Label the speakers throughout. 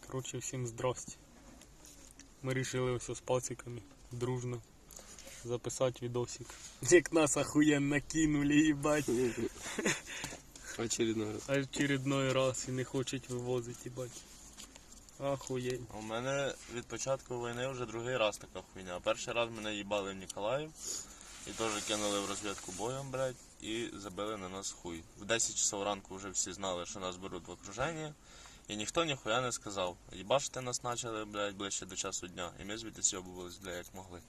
Speaker 1: Короче, всім здрасте. Ми вирішили ось з пациками дружно записати відосик. Як нас охуєнно кинули, їбать.
Speaker 2: Очередной раз.
Speaker 1: Очередной раз і не хочуть вивозити, їбать. Охуєнь.
Speaker 3: У мене від початку війни вже другий раз така хуйня. Перший раз мене їбали в Ніколаїв і теж кинули в розвідку боєм, блядь, і забили на нас хуй. В 10 часов ранку вже всі знали, що нас беруть в окруження, і ніхто ніхуя не сказав. Їбашити нас почали, блядь, ближче до часу дня, і ми звідти сьобувались, блядь, як могли.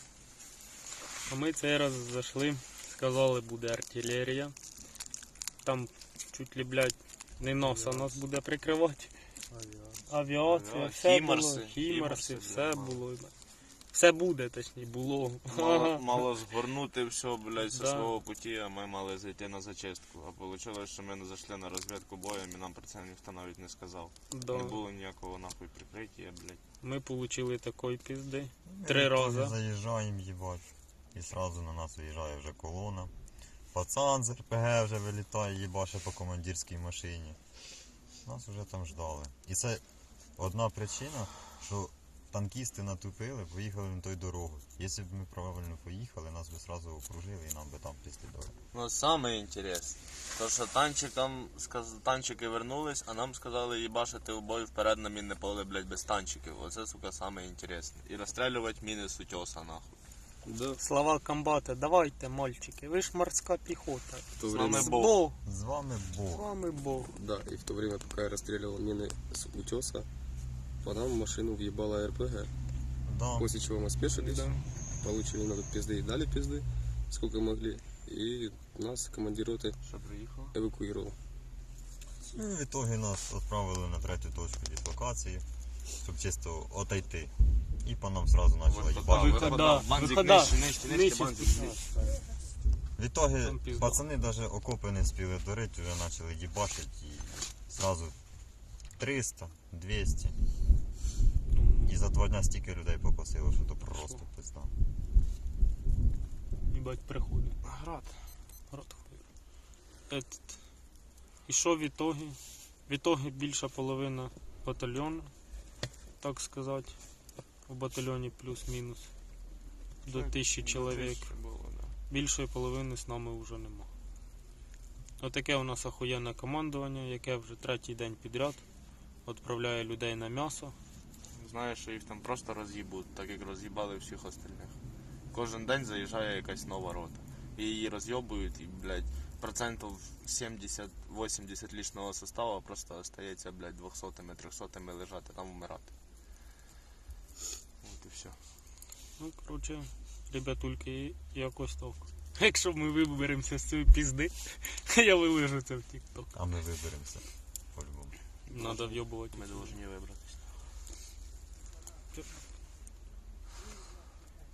Speaker 1: А ми цей раз зайшли, сказали, буде артилерія. Там чуть ли, блядь, не носа нас буде прикривати. Авіація, все було, хімарси, все було. Все буде, точніше, було.
Speaker 3: Мало згорнути все, блядь, зі
Speaker 1: Да.
Speaker 3: свого путі, а ми мали зайти на зачистку. А вийшло, що ми не зайшли на розвідку боєм, і нам про це ніхто навіть не сказав.
Speaker 1: Да.
Speaker 3: Не було ніякого нахуй прикриття, блядь.
Speaker 1: Ми отримали такої пізди. 3 рази.
Speaker 4: Заїжджаємо, їбать. І сразу на нас виїжджає вже колона. Пацан з РПГ вже вилітає, їбаше по командирській машині. Нас вже там ждали. І це одна причина, що танкісти натупили, поїхали на той дорогу. Якщо б ми правильно поїхали, нас би сразу окружили і нам би там післідали.
Speaker 3: Ну, саме інтересне, то що танчики вернулись, а нам сказали їбашити у бой вперед на мінне поле, блядь, без танчиків. Оце, сука, саме інтересне. І розстрілювати міни з утеса, нахуй.
Speaker 2: Да.
Speaker 1: Слова комбата, давайте, мальчики, ви ж морська піхота.
Speaker 2: В то
Speaker 3: З
Speaker 2: время,
Speaker 3: нами
Speaker 1: З
Speaker 3: Бог.
Speaker 1: Бог.
Speaker 4: З вами
Speaker 1: З
Speaker 4: Бог.
Speaker 1: вами Бог.
Speaker 2: да, и в то время, пока я расстреливал мины с утеса, по нам в машину въебала РПГ.
Speaker 4: Да.
Speaker 2: После чего мы спешились,
Speaker 1: Да.
Speaker 2: получили на тут пизды и дали пизды, сколько могли. И нас командир роты
Speaker 3: Що приїхало?
Speaker 2: эвакуировал.
Speaker 4: Ну, в ітогі нас відправили на третю точку дислокації, щоб чисто отойти. І по нам сразу почали їбати.
Speaker 1: Вихода, вихода. Нижче
Speaker 4: В ітогі
Speaker 1: Там пізда.
Speaker 4: пацани навіть окопи не спіли дорити, вже почали їбашити і сразу 300, 200. І за 2 дня стільки людей покосило, що то просто пизда.
Speaker 1: Їбать, приходить.
Speaker 3: Град.
Speaker 1: Рот хуй. І що в ітогі? В ітогі більша половина батальйону, так сказати. У батальйоні плюс-мінус до 1000 чоловік. Більшої половини з нами вже нема. Отаке у нас охуєнне командування, яке вже 3-й день підряд відправляє людей на м'ясо.
Speaker 3: Знаєш, що їх там просто роз'їбуть, так як роз'їбали всіх остальних. Кожен день заїжджає якась нова рота. І її роз'єбують, і, блядь, процентів 70-80 лічного составу просто остається, блядь, 200-ми, 300-ми лежати, там вмирати. От і все.
Speaker 1: Ну, коротше, ребятульки, якось так. Якщо ми виберемося з цієї пізди, я вилежу це в TikTok.
Speaker 4: А ми виберемося по-любому.
Speaker 1: Надо в'єбувати.
Speaker 3: Ми повинні вибратися.